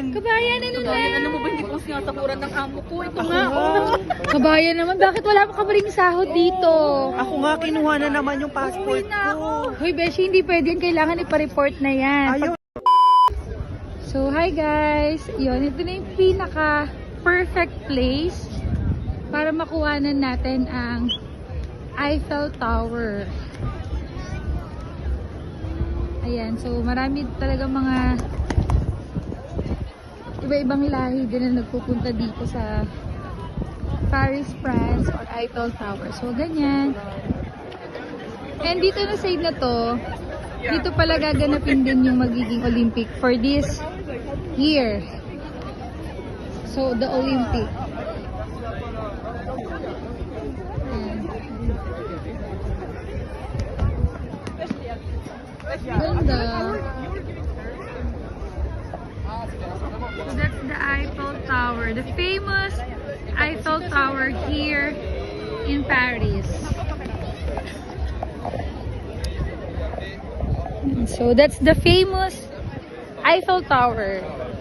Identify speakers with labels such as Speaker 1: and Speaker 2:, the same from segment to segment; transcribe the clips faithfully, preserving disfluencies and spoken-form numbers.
Speaker 1: Kabayan, ano na?
Speaker 2: Ano mo ba hindi ko sinasakuran ng amo ko? Ito
Speaker 3: Ako
Speaker 2: nga.
Speaker 3: nga.
Speaker 1: Kabayan naman, bakit wala pa ka rin sahod dito?
Speaker 3: Ako nga, kinuha na naman yung passport ko.
Speaker 1: Hoy, Beshi, hindi pwede yan. Kailangan ipa-report na yan.
Speaker 3: Ayaw.
Speaker 1: So, hi guys! Yun, ito na yung pinaka perfect place para makuhanan natin ang Eiffel Tower. Ayan, so marami talaga mga iba-ibang lahi din na nagpupunta dito sa Paris, France or Eiffel Tower. So, ganyan. And dito na side na to, dito pala gaganapin din yung magiging Olympic for this year. So, the Olympic. Ayan. Ganda. So, that's the Eiffel Tower. The famous Eiffel Tower here in Paris. So, that's the famous Eiffel Tower.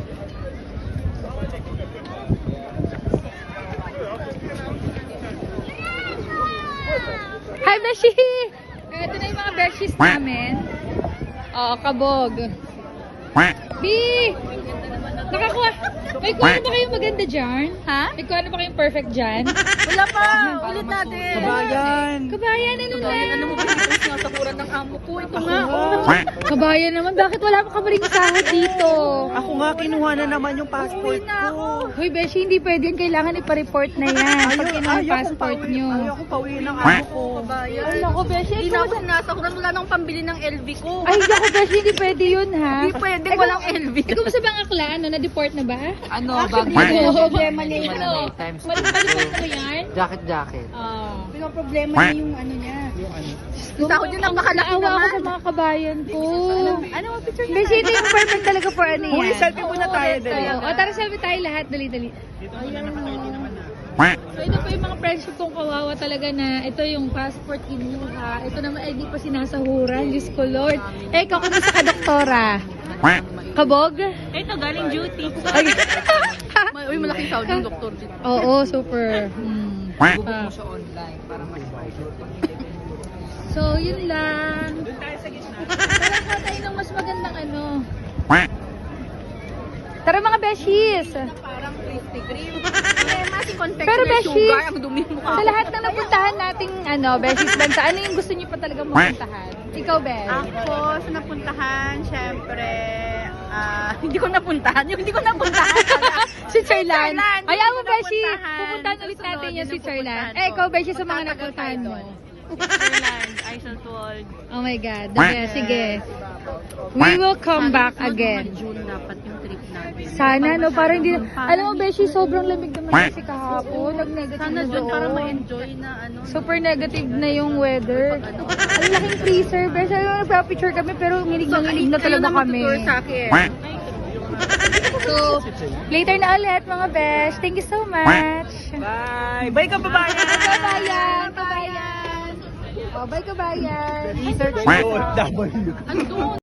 Speaker 1: Hi, Beshi! Ito na yung mga Beshies namin. Oo, kabog. B! Nakakuha. May kuha ba kayong maganda dyan?
Speaker 2: Ha?
Speaker 1: May kuha ba kayong perfect dyan?
Speaker 2: Wala pa. Ulit natin.
Speaker 3: Kabayan.
Speaker 1: Kabayan, ano na?
Speaker 2: Ano mo ba hindi ko sinasakuran ng amo ko? Ito nga.
Speaker 1: Kabayan naman, bakit wala pa ka rin sahod dito?
Speaker 3: Ako nga, kinuha na naman yung passport ko.
Speaker 1: Hoy, Beshi, hindi pwede yan. Kailangan ipa-report na yan. Pag kinuha ang passport nyo.
Speaker 3: Ayaw ko pauwi ng amo ko.
Speaker 2: Kabayan.
Speaker 1: Ay, naku, Beshi.
Speaker 2: Hindi na ako sinasakuran. Wala nang pambili ng L V ko.
Speaker 1: Ay, naku, Beshi, hindi pwede yun, ha?
Speaker 2: Hindi pwede.
Speaker 1: Ikaw-
Speaker 2: Walang L V.
Speaker 1: Ikaw sa bang akla, ano, na-deport na ba?
Speaker 4: Ano,
Speaker 2: Actually,
Speaker 4: bago
Speaker 2: yung
Speaker 4: yan.
Speaker 2: problema niya yung
Speaker 4: Ano,
Speaker 2: ano.
Speaker 4: times
Speaker 1: Malipad mo yan?
Speaker 4: Jacket, jacket.
Speaker 1: Oo.
Speaker 2: Pero problema niya yung ano niya.
Speaker 3: Yung ano.
Speaker 2: Yung sahod niya nang makalaki
Speaker 1: Naawa ako
Speaker 2: naman.
Speaker 1: sa mga kabayan ko.
Speaker 2: Ano mo picture niya?
Speaker 1: Beshi, ito yung perfect talaga for ano yan.
Speaker 3: Uy, selfie muna tayo, dali.
Speaker 1: O, tara, selfie tayo lahat. Dali, dali. So, ito po yung mga friendship kong kawawa talaga na ito yung passport kinuha. Ito naman ay di pa sinasahuran. Diyos ko, Lord. Eh, ikaw kumusta ka, doktora? Kabog?
Speaker 2: Ito, galing duty.
Speaker 1: Ay.
Speaker 2: Uy, malaking sahod yung doktor dito.
Speaker 1: Oo, super. Hmm.
Speaker 4: Book
Speaker 1: Ah.
Speaker 4: mo siya online para mas
Speaker 1: So, yun lang. Tara ko tayo ng mas magandang ano. Tara mga beshies!
Speaker 2: Parang Krispy Kreme. Eh, masing confectioner
Speaker 1: Pero, Beshi,
Speaker 2: sugar. Ang dumi mo
Speaker 1: Sa lahat ng napuntahan nating ano, beshies bansa, ano yung gusto niyo pa talaga mapuntahan? Ikaw, Besh?
Speaker 2: Ako, sa napuntahan, syempre, ah, hindi ko napuntahan. Yung hindi ko napuntahan.
Speaker 1: Si Charlan.
Speaker 2: Charlan,
Speaker 1: Ay,
Speaker 2: hindi
Speaker 1: ako,
Speaker 2: ko
Speaker 1: Beshi.
Speaker 2: napuntahan.
Speaker 1: Pupuntahan ulit
Speaker 2: Susunod,
Speaker 1: natin
Speaker 2: yun
Speaker 1: yung si
Speaker 2: ang
Speaker 1: Charlan.
Speaker 2: pupuntahan
Speaker 1: Eh,
Speaker 2: ko.
Speaker 1: ikaw, Beshi, sa mga
Speaker 2: Magtatagal
Speaker 1: napuntahan
Speaker 2: tayo
Speaker 1: mo.
Speaker 2: doon. Switzerland, Eiseltwald.
Speaker 1: Oh my God. The best. Sige. We will come back again.
Speaker 2: June dapat yung trip natin.
Speaker 1: Sana, no? Parang hindi... Alam mo, Beshi, sobrang lamig naman kasi kahapon. Nag-negative
Speaker 2: Sana
Speaker 1: na
Speaker 2: June para
Speaker 1: doon.
Speaker 2: ma-enjoy na ano.
Speaker 1: Super negative na yung weather. Ang laking freezer. Beshi, alam mo, nagpa-picture kami pero nginig na nginig na talaga kami.
Speaker 2: sa akin.
Speaker 1: So, later na ulit mga besh. Thank you so much.
Speaker 3: Bye! Bye, kababayan!
Speaker 1: Kabayan! Kabayan! Oh, bye kabayan!
Speaker 3: Research yun. W.
Speaker 2: Andun.